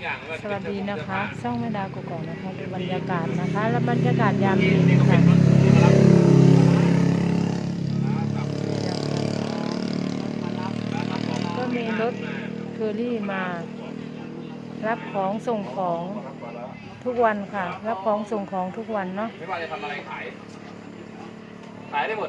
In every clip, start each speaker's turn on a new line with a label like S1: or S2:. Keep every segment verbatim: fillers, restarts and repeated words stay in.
S1: สวัสดีนะคะช่องแม่ดาวกกอกนะคะดูบรรยากาศนะคะและบรรยากาศยามเย็นค่ะก็มีรถเคอรี่มารับของส่งของทุกวันค่ะรับของส่งของทุกวันเนาะ
S2: ไม่ว่าจะทำอะไรขายขายได้หมด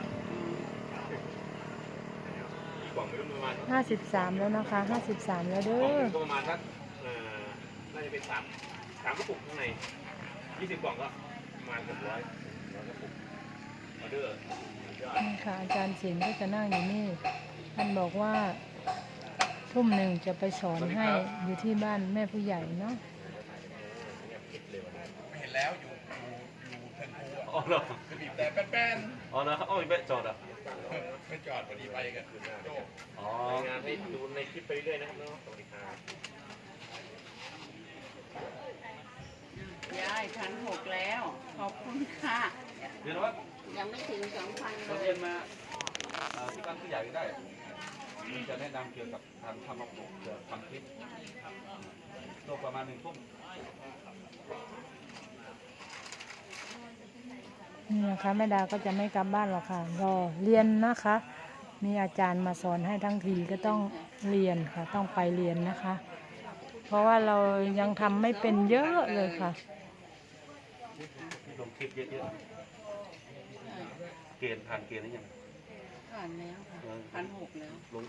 S2: กล่องไม่รู้ประมาณ
S1: ห้าสิบสามแล้วนะคะห้าสิบสามแล้วเด้อ
S2: ก็ประมาณสักน่าจะเป็นสามสามกระปุกข้างในยี่สิบกล่องก็ประมาณเกือบร้อยร้อยกระปุกออเดอร์
S1: นี่ค่ะอาจารย์ศิลป์ก็จะนั่งอยู่นี่ท่านบอกว่าทุ่มหนึ่งจะไปสอนให้อยู่ที่บ้านแม่ผู้ใหญ่เนาะ
S3: เห็นแล้วอยู่อยู่อยู่เทิงคูอ่ะ
S2: อ๋อเหรอ
S3: บีบแต่แป้น
S2: อ๋อเหรออ๋อไม่จอดอ่ะ
S3: ๆไม่จอดพอดีไปกันโจ้
S2: อ๋องานให้ดูในคลิปไปเรื่อยนะครับเนาะสวัสดีครับ
S4: ยายพันหกแล้วขอบคุณค่ะ
S2: เดี๋ยวนะว่า
S4: ยังไม่ถึงสองพันเล
S2: เรีย
S4: ย
S2: นมาที่บ้านผู้ใหญ่ก็ได้มันจะแนะนำเกี่ยวกับทางทำระบบเกี่ยวกับทำคลิปโตประมาณหนึ่งทุ่ม
S1: นี่นะคะแม่ดาก็จะไม่กลับบ้านหรอกค่ะรอเรียนนะคะ มีอาจารย์มาสอนให้ทั้งทีก็ต้องเรียนค่ะต้องไปเรียนนะคะ เพราะว่าเรายังทำไม่เป็นเยอะเลยค่ะ
S2: ลงคลิปเยอะๆเกณฑ์ผ่านเกณฑ์หรือยัง
S4: ผ่านแล้วค่ะพันหกแล้ว
S2: ลง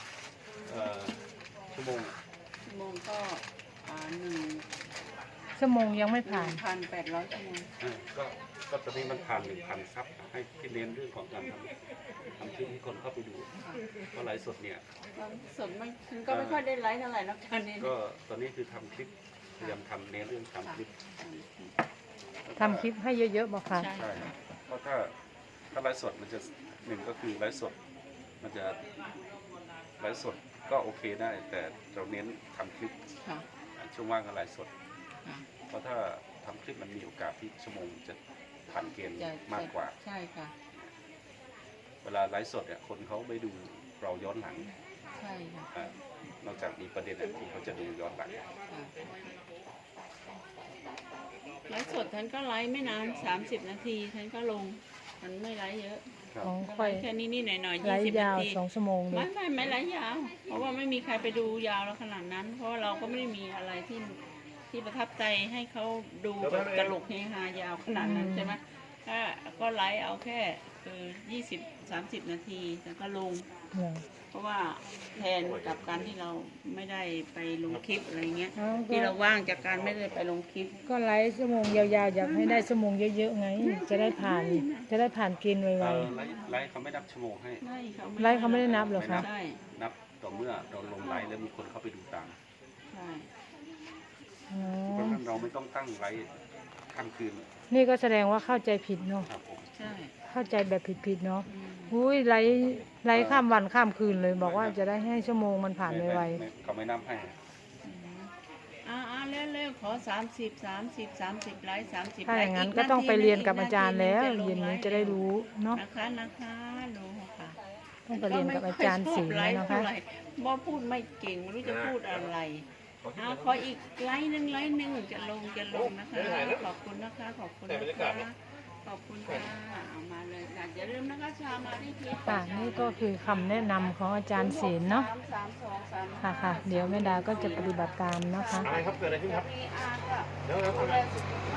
S2: ชั่วโมง
S4: ชั่วโมงก็หนึ่ง
S1: ชั่วโมงยังไม่ผ่าน
S4: พันแปดร้อยชั่วโมง
S2: ก็ก็ตอนนี้มันผ่านหนึ่งพันซับให้ที่เน้นเรื่องของการทำทำคลิปให้คนเข้าไปดูเพราะไลฟ์สดเนี่ย
S4: สดไม่ก็ไม่ค่อยได้ไลฟ์เท่าไหร่นะตอนนี้
S2: ก็ตอนนี้คือทำคลิปพยายามทำเน้นเรื่องทำคลิป
S1: ทำคลิปให้เยอะๆบอกค่ะ
S2: ใช่เพราะถ้าถ้าไลฟ์สดมันจะหนึ่งก็คือไลฟ์สดมันจะไลฟ์สดก็โอเคได้แต่เราเน้นทำคลิปช่วงว่างก็ไลฟ์สดเพราะถ้าทำคลิปมันมีโอกาสที่ชั่วโมงจะผ่านเกณฑ์มากกว่า
S4: ใช่ค่ะ
S2: เวลาไลฟ์สดเนี่ยคนเขาไม่ดูเราย้อนหลัง
S4: ใช่ค่ะ
S2: นอกจากมีประเด็นที่เขาจะดูย้อนหลัง
S4: ไลฟ์สดท่านก็ไลฟ์ไม่นานสามสิบนาทีท่านก็ลงมันไม่ไลฟ์เยอะ
S1: ของค่อย
S4: แค่นี้นี่หน่อยหน่อย
S1: ยี่สิบนาทีสองชั่วโมง
S4: ไม่ไม่ไม่ไลฟ์ยาวเพราะว่าไม่มีใครไปดูยาวแล้วขนาดนั้นเพราะเราก็ไม่ได้มีอะไรที่ที่ประทับใจให้เขาดูแบบตลกเฮฮายาวขนาดนั้นใช่ไหมก็ก็ไลฟ์เอาแค่คือยี่สิบสามสิบนาทีแล้วก็ลงเพราะว่าแทนกับการที่เราไม่ได้ไปลงคลิปอะไรเงี้ยที่เราว่างจากการไม่ได้ไปลงคลิป
S1: ก็ไลฟ์ชั่วโมงยาวๆอยากให้ได้ชั่วโมงเยอะๆไงจะได้ผ่านจะได้ผ่านเกณฑ์ไวๆ
S2: ไลฟ์เขาไม่นับชั่วโมงให้
S1: ไลฟ์เขาไม่ได้นับหรอคะ
S2: นับต่อเมื่อเราลงไลฟ์แล้วมีคนเข้าไปดูตาม
S4: ใช่
S2: เพราะฉะนั้นเราไม่ต้องตั้งไลฟ์ข้ามคืน
S1: นี่ก็แสดงว่าเข้าใจผิดเนาะ
S4: ใช่
S1: เข้าใจแบบผิดๆเนาะอุ้ยไลฟ์ไลฟ์ข้ามวันข้ามคืนเลยบอกว่าจะได้ให้ชั่วโมงมันผ่านไว
S2: ๆเขาไม่นับให้
S4: อ่าอ่าเร็วๆขอสามสิบสามสิบสามสิบไลฟ์สามสิบ
S1: ถ้าอย่างนั้นก็ต้องไปเรียนกับอาจารย์แล้วเย็นนี้จะได้รู้เนาะ
S4: นะคะนะคะรู้ค่ะ
S1: ต้องไปเรียนกับอาจารย์ศิลป์นะคะ
S4: บ่พูดไม่เก่งไม่รู้จะพูดอะไรเอาขออีกไลน์หนึ่งไลน์หนึ่งจะลงจะลงนะคะขอบคุณนะคะขอบคุณนะคะขอบคุณค่ะเอามาเลยค่ะอย่าลืมนะคะชามาที่คลิป
S1: ค่ะนี่ก็คือคำแนะนำของอาจารย์ศิลป์เนาะค่ะค่ะเดี๋ยวแม่ดาก็จะปฏิบัติตามนะคะ
S2: อะไรครับเกิดอะไรขึ้นครับ
S4: เดี๋ยวเรา